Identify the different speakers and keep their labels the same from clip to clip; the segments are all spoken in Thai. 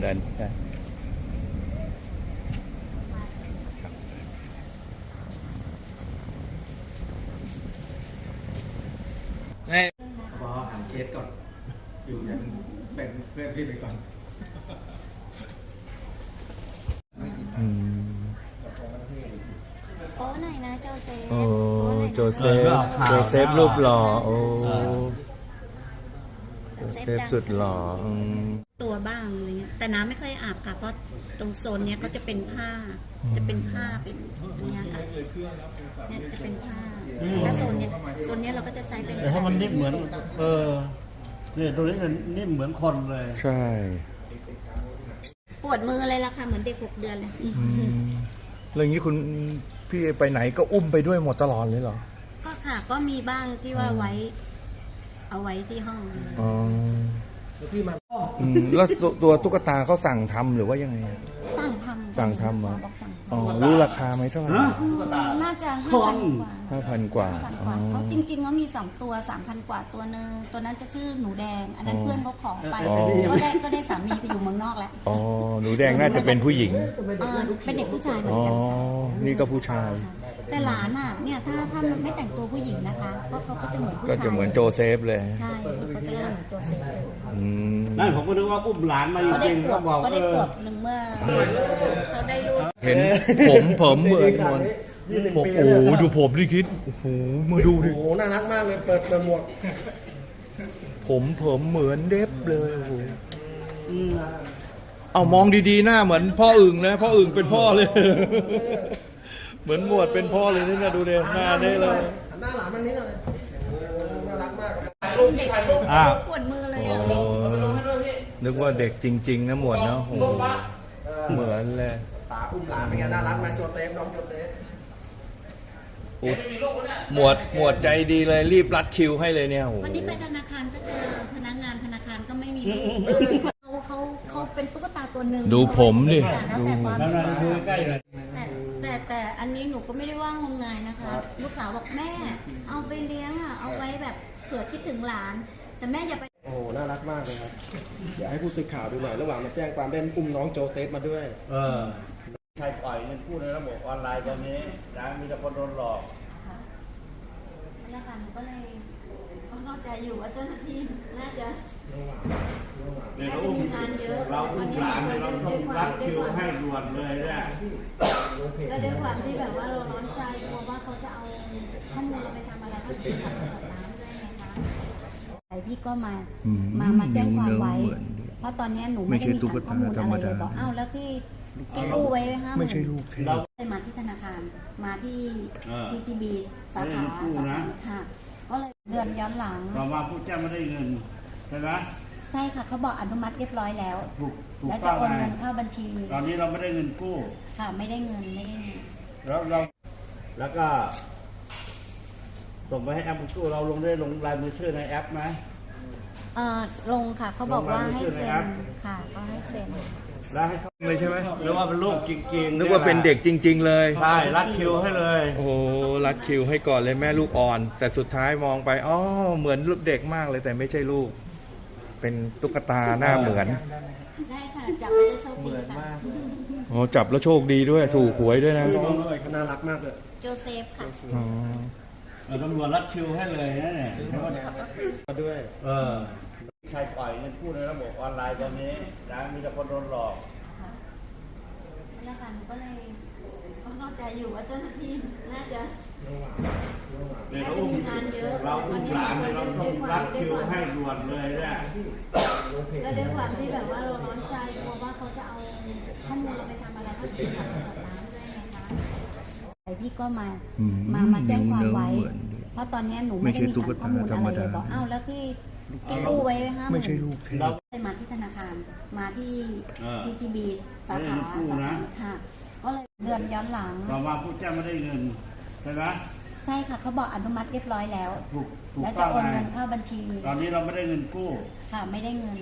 Speaker 1: เดินได้
Speaker 2: พอหันเคสก่อนอยู่อย่างแบ่งเพื่อนพี่ไปก่อน
Speaker 3: โอ้หน่อยนะโจเซฟ
Speaker 1: โอ้โจเซฟ
Speaker 2: โจเซฟ
Speaker 1: รูปหล่อโอ้โจเซฟสุดหล่อ
Speaker 3: ตัวบ้างอะไรเงี้ยแต่น้ำไม่ค่อยอาบค่ะเพราะตรงโซนเนี้ยก็จะเป็นผ้าเป็นอย่างเงี้ยค่ะเนี่ยจะเป็นผ้าแล้วโซนเนี้ยเราก็จะใช้เป็น
Speaker 4: แต่ถ้ามันนิ่มเหมือนเนี่ยตัวนี้มันนิ่มเหมือนคนเลย
Speaker 1: ใช่
Speaker 3: ปวดมือเลยล่ะค่ะเหมือนเด็ก6 เดือนเลย
Speaker 1: แล้วอย่างนี้คุณพี่ไปไหนก็อุ้มไปด้วยหมดตลอดเลยเหรอ
Speaker 3: ก็ค่ะก็มีบ้างที่ว่าเอาไว้ที่ห้อง
Speaker 1: อ๋อ
Speaker 2: แล้วพี่มา
Speaker 1: แล้วตัวตุ๊กตาเขาสั่งทำหรือว่ายังไง
Speaker 3: สั่งทำ
Speaker 1: เหรอ
Speaker 3: บอกสั่งทำ
Speaker 1: อ๋อรู้ราคาไหมเท่าไหร่
Speaker 3: น่าจะ
Speaker 1: 5,000 กว่า
Speaker 3: เขาจริงๆเขามี2 ตัว 3,000 กว่าตัวนึงตัวนั้นจะชื่อหนูแดงอันนั้นเพื่อนเขาขอไปก็ได้สามีไปอยู่เมืองนอกแล้ว
Speaker 1: อ๋อหนูแดงน่าจะเป็นผู้หญิง
Speaker 3: เป็นเด็กผู้ชายเหมือ
Speaker 1: อ๋
Speaker 3: น
Speaker 1: อ
Speaker 3: กัน
Speaker 1: นี่ก็ผู้ชาย
Speaker 3: แต่หลานอ่ะเนี่ยถ้ามันไม่แต่งตัวผู้หญิงนะคะเพราะเขาก็จะเหมือนผู้
Speaker 1: ก็
Speaker 3: ชาย
Speaker 1: จะเหมือนโจเซฟเลย
Speaker 3: ใช่เขาจะเหมือนโจเซฟเลย
Speaker 4: นั่นผมก็นึกว่าอุ้มหลานมาจ
Speaker 3: เขาได้
Speaker 4: ริง
Speaker 3: ข
Speaker 4: ๆ
Speaker 3: ว
Speaker 4: ก็
Speaker 3: บ
Speaker 4: บอก
Speaker 3: เขาได้ขวบหนึ่งเมื่อเขาได้ลูก
Speaker 1: เห็นผมเหมือนหมดโอ้โหดูผมดิคิดโอ้โหมาดูดิ
Speaker 2: โอ้โหน่ารักมากเลยเปิดหมวก
Speaker 1: ผมเหมือนเด็บเลยโอ้โหเอามองดีๆหน้าเหมือนพ่ออึ่งนะพ่ออึ่งเป็นพ่อเลย เหมือนหมวดเป็นพ่อเลยนี่นะดูเด่หน้าได้เลย
Speaker 2: หน้าหลานมันนี้หน่อยน่ารักมาก
Speaker 3: ปวดมือเลย
Speaker 1: โอ้
Speaker 3: อ่ะ
Speaker 1: นึกว่าเด็กจริงๆนะหมวดเนาะโอ้โหเหมือนเลย
Speaker 2: ตาอุ้มหลานเป็นไงน่ารักไหมโจเซฟน้องโจเซฟ
Speaker 1: หมวดใจดีเลยรีบรัดคิวให้เลยเนี่ยโอ้โห
Speaker 3: วันนี้ไปธนาคารก็เจอพนักงานธนาคารก็ไม่มีเขาเป็นตุ๊กตาตัวหนึ่ง
Speaker 1: ดูผมดิ
Speaker 3: แล้ว
Speaker 1: ดู
Speaker 3: แต่ความ
Speaker 4: แล้ว
Speaker 3: เชื่อ
Speaker 4: ดูใกล้ๆเลย
Speaker 3: แต่อันนี้หนูก็ไม่ได้ว่างมงายนะคะลูกสาวบอกแม่เอาไปเลี้ยงอ่ะเอาไว้แบบเผื่อคิดถึงหลาน แต่แม่อย่าไป
Speaker 2: โอ้โหน่ารักมากเลยครับอยากให้ผู้สื่อข่าวดูหน่อยระหว่างมาแจ้งความเล่นอุ้มน้องโจเซฟมาด้วย
Speaker 4: ใครปล่อยเงินกู้ในระบบออนไลน์ตอนนี้นะมีแต่คนโดนหลอก
Speaker 3: นะคะหนูก็เลยเข้าใจอยู่ว่าเจ้าหน้าที่น่าจะ
Speaker 4: เนี่ยเราอุ้มหลานเนี่ยเราต้องรัดคิวให้ด่วนเลยเนี่ย
Speaker 3: ก็ด้วยความที่แบบว่าเราร้อนใจกลัวว่าเขาจะเอาข้อมูลเราไปทำอะไรก็เสียหายกับน้ำด้วยไงคะไอพี่ก็มาแจ้งความไว้ เพราะตอนนี้หนูไม่ได้มีข้อมูลอะไรเลยบอกอ้าวแล้วที่กู้ไว้5,000
Speaker 1: ไม่ใช่ลูกเทพ
Speaker 3: เลยมาที่ธนาคารมาที่ทีบีสาขาค่ะก็เลยเดือนย้อนหลัง
Speaker 4: ต่อมาผู้แจ้งไม่ได้เงินใช่ไหม
Speaker 3: ใช่ค่ะเขาบอกอนุมัติเรียบร้อยแล้ว
Speaker 4: ถูก
Speaker 3: แล้ว
Speaker 4: ต้
Speaker 3: จะ
Speaker 4: อง
Speaker 3: โอน
Speaker 4: ไง
Speaker 3: เงินเข้าบัญชี
Speaker 4: ตอนนี้เราไม่ได้เงินกู้
Speaker 3: ค่ะไม่ได้เงิน
Speaker 4: แล้วก็ส่งไปให้แอปกู้เราลงลายมือชื่อในแอปไหม
Speaker 3: ลงค่ะเขาบอกว่าให้เซ็น
Speaker 4: ลงรายมือชื่อในแอป
Speaker 3: ค่ะก็ให้เซ็น
Speaker 4: แล้วให้เขา
Speaker 1: เลยใช่ไหม
Speaker 4: หรือว่าเป็นลูกจริงๆ
Speaker 1: นึกว่าเป็นเด็กจริง ๆ เลย
Speaker 4: ใช่รัดคิวให้เลย
Speaker 1: โอ้โหรัดคิวให้ก่อนเลยแม่ลูกอ่อน แต่สุดท้ายมองไปอ๋อเหมือนลูกเด็กมากเลยแต่ไม่ใช่ลูก เป็นตุ๊กตาหน้าเหมือน
Speaker 3: ได้ค่ะจับไปจะโชคดีค่ะ
Speaker 1: อ๋อจับแล้วโชคดีด้วยถูกหวยด้วยนะ
Speaker 2: น้องเลยเขาน่ารักมากเลย
Speaker 3: โจเซฟค่ะ
Speaker 1: อ๋อ
Speaker 4: ตำรวจรัดคิวให้เลยนะเนี่ย
Speaker 2: มาด้วย
Speaker 4: ใครปล่อยเงินกู้ในระบบออนไลน์ตอนนี้นะมีแต่คนโดนหลอก
Speaker 3: ค่ะนะคะหนูก็เลยเข้าใจอยู่ว่าเจ้าหน้าที่น่าจะ
Speaker 4: เนี่ยเราอุ้มหลานเนี่ยเราต้องรัดคิวให้ด่วนเลยเนี่ย
Speaker 3: แล้วด้วยความที่แบบว่าเราร้อนใจกลัวว่าเขาจะเอาข้อมูลเราไปทำอะไรก็เสียหายกับน้ำด้วยไงคะไอพี่ก็มาแจ้งความไว้ เพราะตอนนี้หนูไม่ได้มีข้อมูลอะไรเลยบอกอ้าวแล้วที่กู้ไว้5,000
Speaker 1: ไม่ใช่ลูกเทพ
Speaker 3: เลยมาที่ธนาคารมาที่ทีบีสาขาค่ะก็เลยเดือนย้อนหลัง
Speaker 4: ต่อมาผู้แจ้งไม่ได้เงินใช่ไหม
Speaker 3: ใช่ค่ะเขาบอกอนุมัติเรียบร้อยแล้ว
Speaker 4: ถูก
Speaker 3: แล้ว
Speaker 4: ต้
Speaker 3: จะ
Speaker 4: อง
Speaker 3: โอน
Speaker 4: ไง
Speaker 3: เงินเข้าบัญชี
Speaker 4: ตอนนี้เราไม่ได้เงินกู้
Speaker 3: ค่ะไม่ได้เงิน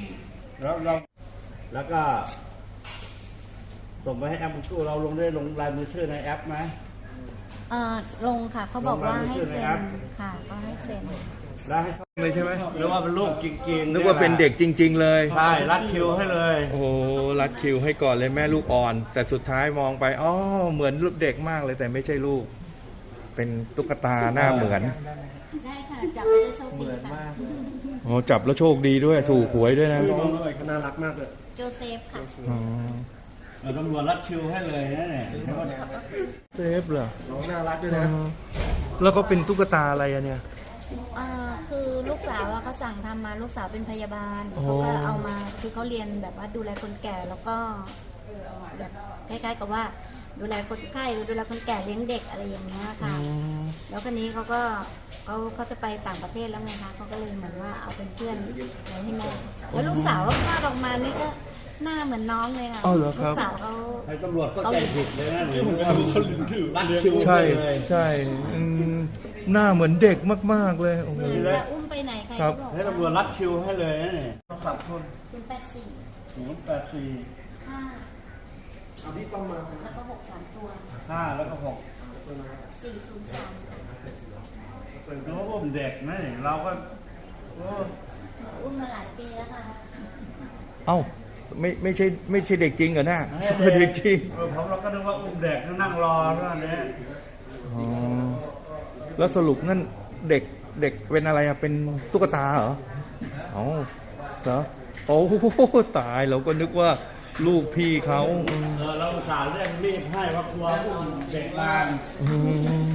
Speaker 4: แล้วก็ส่งไปให้แอปกู้เราลงลายมือชื่อในแอปไหม
Speaker 3: ลงค่ะเขาบอกว่าให้เซ็น
Speaker 4: ลงรายมือชื่อในแอป
Speaker 3: ค่ะก็ให้เซ็น
Speaker 4: ได้
Speaker 1: เลยใช่ไหม
Speaker 4: หรือว่าเป็นลูกจริงๆ
Speaker 1: นึกว่าเป็นเด็กจริง ๆ เลย
Speaker 4: ใช่รัดคิวให้เลย
Speaker 1: โอ้โหรัดคิวให้ก่อนเลยแม่ลูกอ่อน แต่สุดท้ายมองไปอ๋อเหมือนลูกเด็กมากเลยแต่ไม่ใช่ลูก เป็นตุ๊กตาหน้าเหมือน
Speaker 3: ได้ค่ะจับแล้วจะโชคดีค่ะ
Speaker 1: อ๋อจับแล้วโชคดีด้วยถูกหวยด้วยนะ
Speaker 2: ชื่อน้องเลยน่ารักมากเลย
Speaker 3: โจเซฟค่ะ
Speaker 1: อ๋อ
Speaker 4: ตำรวจรัดคิวให้เลยนะเนี่ย
Speaker 1: เซฟเหรอ
Speaker 2: น้องน่ารักด้วย
Speaker 1: อ๋
Speaker 2: นะ
Speaker 1: อแล้วก็เป็นตุ๊กตาอะไรอะเนี่ย
Speaker 3: คือลูกสาวเขาสั่งทำมาลูกสาวเป็นพยาบาล
Speaker 1: โอ้
Speaker 3: เขาก็เอามาคือเขาเรียนแบบว่าดูแลคนแก่แล้วก็แบบคล้ายๆกับว่าดูแลคนไข้ดูแลคนแก่เลี้ยงเด็กอะไรอย่างเงี้ยค่ะ แล้วคนนี้เขาจะไปต่างประเทศแล้วไงคะเขาก็เลยเหมือนว่าเอาเป็นเพื่อนไว้ให้แม่แล้วลูกสาวก็คลอดออกมานี่ก็หน้าเหมือนน้องเลยค่ะ
Speaker 1: อ้าวเหรอค
Speaker 3: ลู
Speaker 1: รับ
Speaker 3: กสาวเขา
Speaker 4: ให้ตำรวจก็ใจผิดเลยนะเนี่ยรัดคิว
Speaker 1: ใช่
Speaker 4: ให้เลย
Speaker 1: ใช่อืมหน้าเหมือนเด็กมากๆเลยโอ้โห
Speaker 3: จะอุ้มไปไหนใคร
Speaker 1: ครั
Speaker 3: ก็
Speaker 1: บ
Speaker 3: บอก
Speaker 4: ให้ตำรวจรัดคิวให้เลยนะเนี่ย
Speaker 3: 084
Speaker 4: 084
Speaker 3: 5
Speaker 2: เอาพี่ต้องมา
Speaker 3: แล้วก็63ตัว
Speaker 4: 5แล้วก็6
Speaker 3: 403
Speaker 4: แล้วก็อุ้มเด็กนะเนี่ยเราก็โอ้
Speaker 3: อุ้มมาหลายปีแล้วค่ะ
Speaker 1: เอ้าไม่ใช่เด็กจริงเหรอหน้าเด็กจริง
Speaker 4: ผมเราก็นึกว่าอุ้มเด็กนั่งรอเท่านั้นเนี่ย
Speaker 1: อ๋อแล้วสรุปนั่นเด็กเป็นอะไรอะเป็นตุ๊กตาเหรออ๋อเหรอโอ้โหตายเราก็นึกว่าลูกพี่เขาอืม
Speaker 4: เราอุตส่าห์เรียกรีบให้เพราะกลัวอุ้มเด็กงาน
Speaker 1: อืม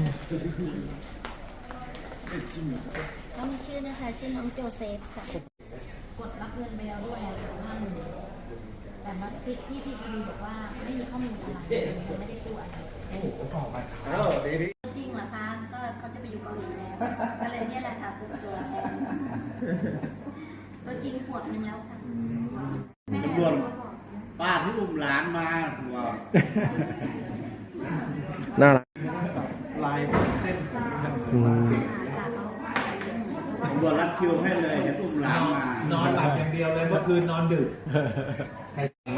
Speaker 3: เขามีชื่อนะคะ ชื่อน้องโจเซฟค่ะ กดรับเงินไปแล้วด้วย50,000แต่มาที่คดีบอกว่าไม่มีข้อมูลอะไรไม่ได้ตัวอะไร
Speaker 2: อ้าวดีพี่
Speaker 3: จริงเหรอคะก็เขาจะไปอยู่เกาหลีแล้วก็เลยเนี่ยแหละค่ะเป็นตัวแทนตัวจริงขวบนึงแล้วค่ะแม่
Speaker 4: ตำรวจป้าที่อุ้มหลานมาหัว
Speaker 2: น่ารัก
Speaker 4: ลายเส้น
Speaker 1: อืม
Speaker 4: ตำรวจรัดคิวให้เลยให้อุ้มหลานมาน
Speaker 5: อนหลับอย่างเดียวเลยเมื่อคืนนอนดึก
Speaker 1: ไม่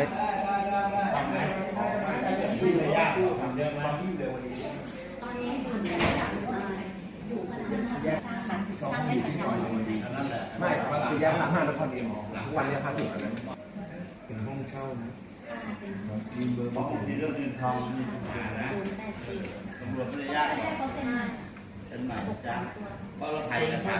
Speaker 4: ที่ระยะผู้ทำเยอะไหม
Speaker 3: ตอนนี้อยู่ขนาดนั้นช่างเป็นประจำ
Speaker 4: นั่นแหละ
Speaker 2: ไม่สี่แยกหลังห้างนครเอ็มวันนี้พักอยู่กันนั้น
Speaker 1: เป็นห้องเช่านะ
Speaker 4: มีเบอร์บอกที่เรื่องเงินทองมีปัญหานะ
Speaker 3: 084
Speaker 4: ตำรวจระยะ
Speaker 3: ให้เขาเป็น
Speaker 4: เป็นหมายจ้างเพราะเราไทยกัน